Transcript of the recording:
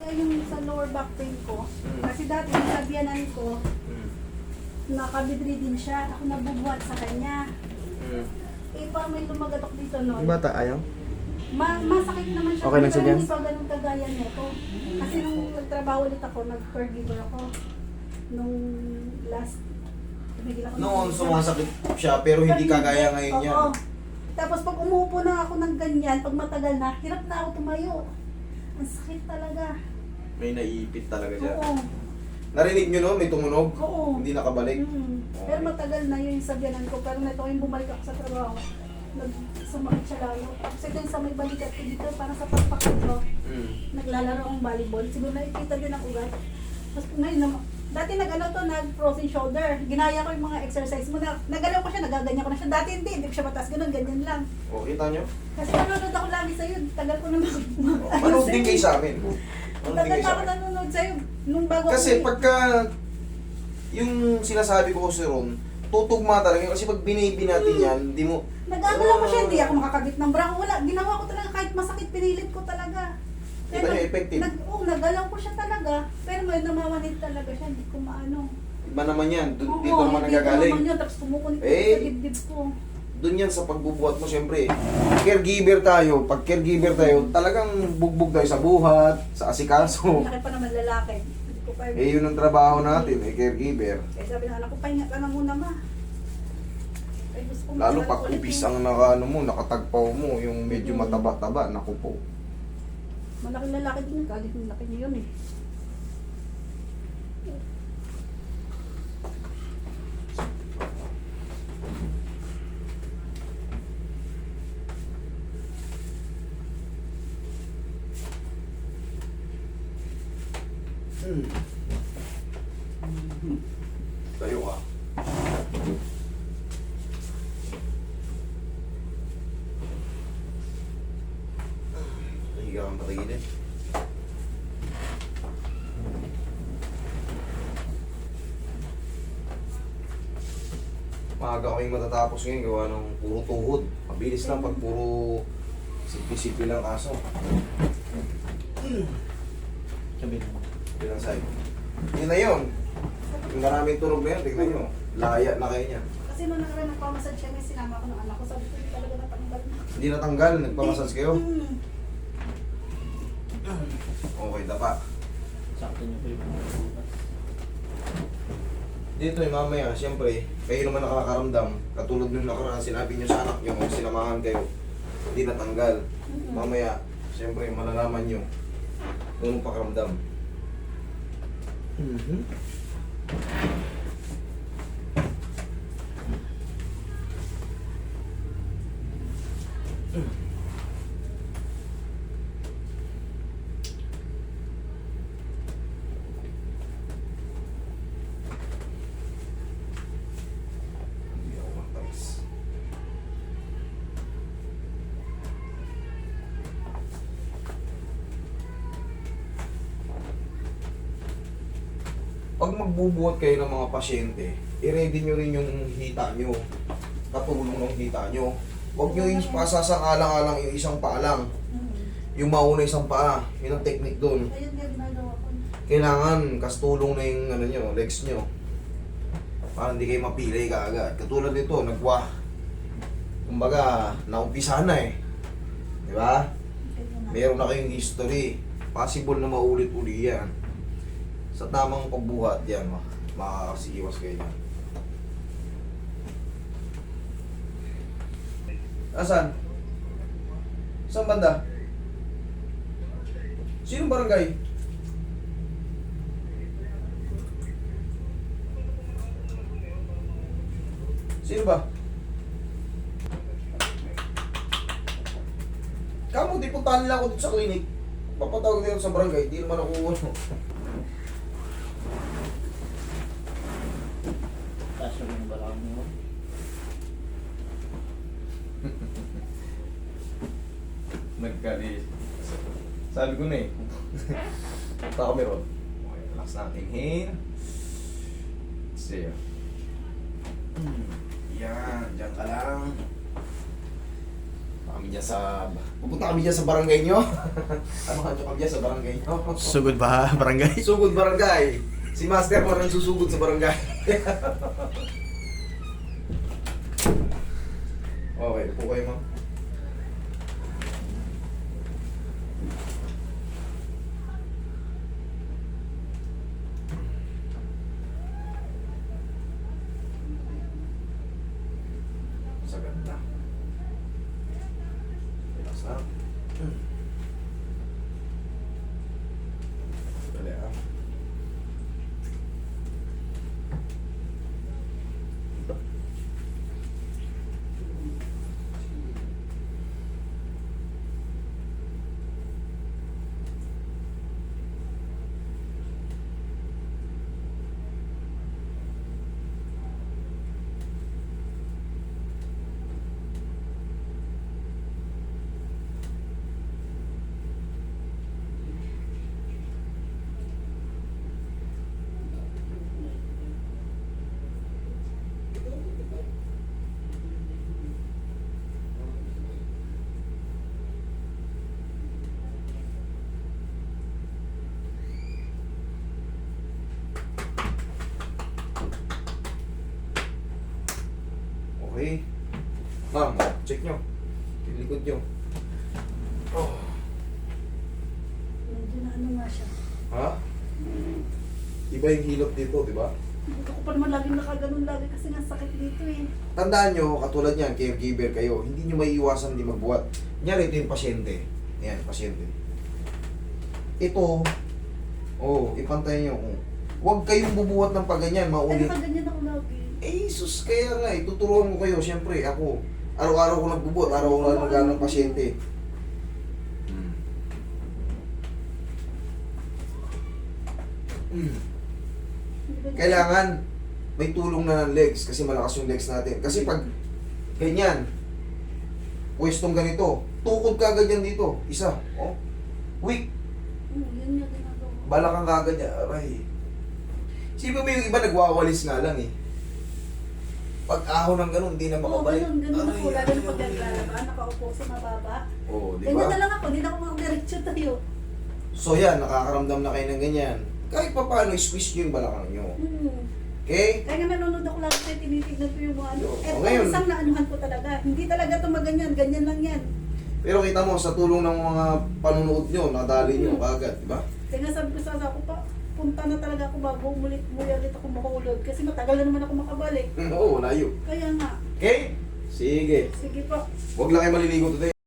ay yung sa lower back pain ko. Kasi dati yung sabyanan ko, nakabidridin siya. Ako nabubuhat sa kanya. Eh, parang may lumagatok dito noon. Yung bata, ayaw? Masakit naman siya. Okay lang siya pero dyan? hindi pa ganun kagaya nito. Kasi nung nagtrabaho ulit ako, nag-caregiver ako. Nung last, tumigil ako. Noon sumasakit siya pero hindi kagaya ngayon yan. Oo. Tapos pag umupo na ako ng ganyan, pag matagal na, hirap na ako tumayo. Ang sakit talaga. May naiipit talaga siya. Oo. Narinig nyo no? May tumunog? Oo. Hindi nakabalik? Pero matagal na yun yung sabyanan ko. Pero neto yung bumalik ako sa trabaho, sumakit siya lalo. Tapos ito yung sa may balikat ko dito, parang sa pagpakot ko. Naglalaro akong volleyball. Siguro nakikita din ang ugat. Tapos ngayon naman, dati nag-frozen shoulder. Ginaya ko yung mga exercise mo. Nagalaw ko siya, nagaganyan ko na siya. Dati hindi ko siya mataas. Ganun, ganyan lang. O, kita nyo? Kasi nanonood ako lagi sa'yo. Tagal ko na Manood din kayo sa amin. Manood din Tagal kayo na sa ako amin. nanonood sa'yo. Nung bago Kasi ako- pagka yung sinasabi ko si Ron, tutugma talaga. Kasi pag binibi natin yan, hindi mo... Nag-agalaw ko siya, hindi ako makakabit ng bra. Wala, ginawa ko talaga kahit masakit, pinilit ko talaga. Kita niyo, effective. Nagalaw ko siya talaga. Pero may namamanid talaga siya, hindi ko maano. Iba naman yan. Oo, Dito naman hindi ko nagagaling. naman yun, tapos kumukulit Eh. sa dibdib ko. Doon yan sa pagbubuhat mo, siyempre. Caregiver tayo. Pag caregiver tayo, talagang bugbog tayo sa buhat, sa asikaso. Laki pa naman lalaki. Hindi ko pa Eh, yun ang trabaho natin, caregiver. Kaya sabi ng anak ko, pahinga ka na muna ma. Ay, gusto ko Lalo magkaroon pag ulit upis yung- ang nakatagpaw mo, yung medyo mataba-taba, naku po. Malaking lalaki din yun, kahit yung laki niya yun eh. Tayo ka. Nahiga kang patagilid. Maaga kaming matatapos ngayon, gawa ng puro tuhod. Mabilis lang pag puro sipi-sipi lang kaso. Sabi mo. Bilang sa'yo. Yun na yun. Yung maraming tunog na yun, tignan nyo. Laya na kayo niya. Kasi nung nakaraan nagpamassage siya, may sinama ko ng anak ko, sabi ko hindi talaga natanggal na. Hindi natanggal, nagpamasas kayo. Mm. Okay, dapa. Sakto niyo po yung bukas. Dito eh, mamaya, siyempre, kayo naman nakakaramdam. Katulad nung nakaraan, sinabi nyo sa anak nyo, kung sinamahan kayo, hindi natanggal. Mamaya, siyempre, malalaman nyo kung anong pakaramdam. Hindi ako matamis. Pag magbubuhat kayo ng mga pasyente, i-ready nyo rin yung hita nyo. Katulong ng hita nyo. Huwag nyo yung pasasang-alang-alang yung isang paa lang. Yung mauna isang paa. Yun ang technique doon. Ayun nga ginagawa ko. Kailangan kastulong na yung ano nyo, legs nyo. Para hindi kayo mapilay kaagad. Katulad nito, nagwa. Kumbaga, naumpisa na eh. Di ba? Meron na kayong history. Possible na maulit-uli yan. Sa tamang pagbuhat yan, makakasiwas kayo yan. Asan? Saan banda? Sinong barangay? Sino ba? Kamu, di puntahan lang ako dito sa clinic. Papatawag dito sa barangay, di naman ako ano. Kaso yung balakang mo. Nagkali. Sabi ko na eh. Punta kami ron. Okay, relax natin. Inhale. Exhale. Yan, dyan ka lang. Pupunta kami dyan sa barangay nyo. Samahan nyo kami dyan sa barangay nyo. Sugod ba, barangay? Sugod barangay. Si Master mo rin susugod sa barangay. Okay, upo kayo ma'am. Sa ganda. Relax na. Dali ah. Okay. Ma'am, check nyo. Yung likod nyo. Oh. Medyo na ano nga siya. Ha? Iba yung hilot dito, di ba? Hindi ko pa naman laging nakaganon lagi kasi nga sakit dito eh. Tandaan nyo, katulad yan, caregiver kayo, hindi nyo maiiwasan hindi magbuhat. Kunyari, ito yung pasyente. Ayan, pasyente. Ito, ipantay nyo. Huwag kayong bubuhat ng paganyan, Ay, maulit. nakaganyan ako lagi. Eh, sus, kaya nga eh, tuturuan ko kayo. Siyempre, ako, araw-araw ko nagbubuhat, araw-araw ko ng pasyente. Kailangan may tulong na ng legs kasi malakas yung legs natin. Kasi pag ganyan, pwestong ganito, tukod ka agad yan dito. Isa, weak. Yun yung ginagawa. Balakang kagad niya, aray. Sino mo yung iba nagwawalis nga lang eh. Pag ahon ng ganun, hindi na Oo, makabalik. ganun ako. Lalo na pag aray. naglalaba, nakaupo sa mababa. Oo, di Ganyan ba? na lang ako, hindi na ako makadiretso tayo. So yan, nakakaramdam na kayo ng ganyan. Kahit pa paano, squeeze nyo yung balakang nyo. Okay? Kaya nga nanonood ako lagi kaya tinitignan ko yung mga ano. Oo, Eto, ngayon. isang naanuhan ko talaga. Hindi talaga ito maganyan, ganyan lang yan. Pero kita mo, sa tulong ng mga panunood nyo, nadali nyo kagad, di ba? Kaya nga sabi ko sa asawa ko pa, punta na talaga ako bago umulit ako makulog. Kasi matagal na naman ako makabalik. Oo, layo. Kaya nga, Okay? Sige. sige po. Huwag lang kayo maliligo today.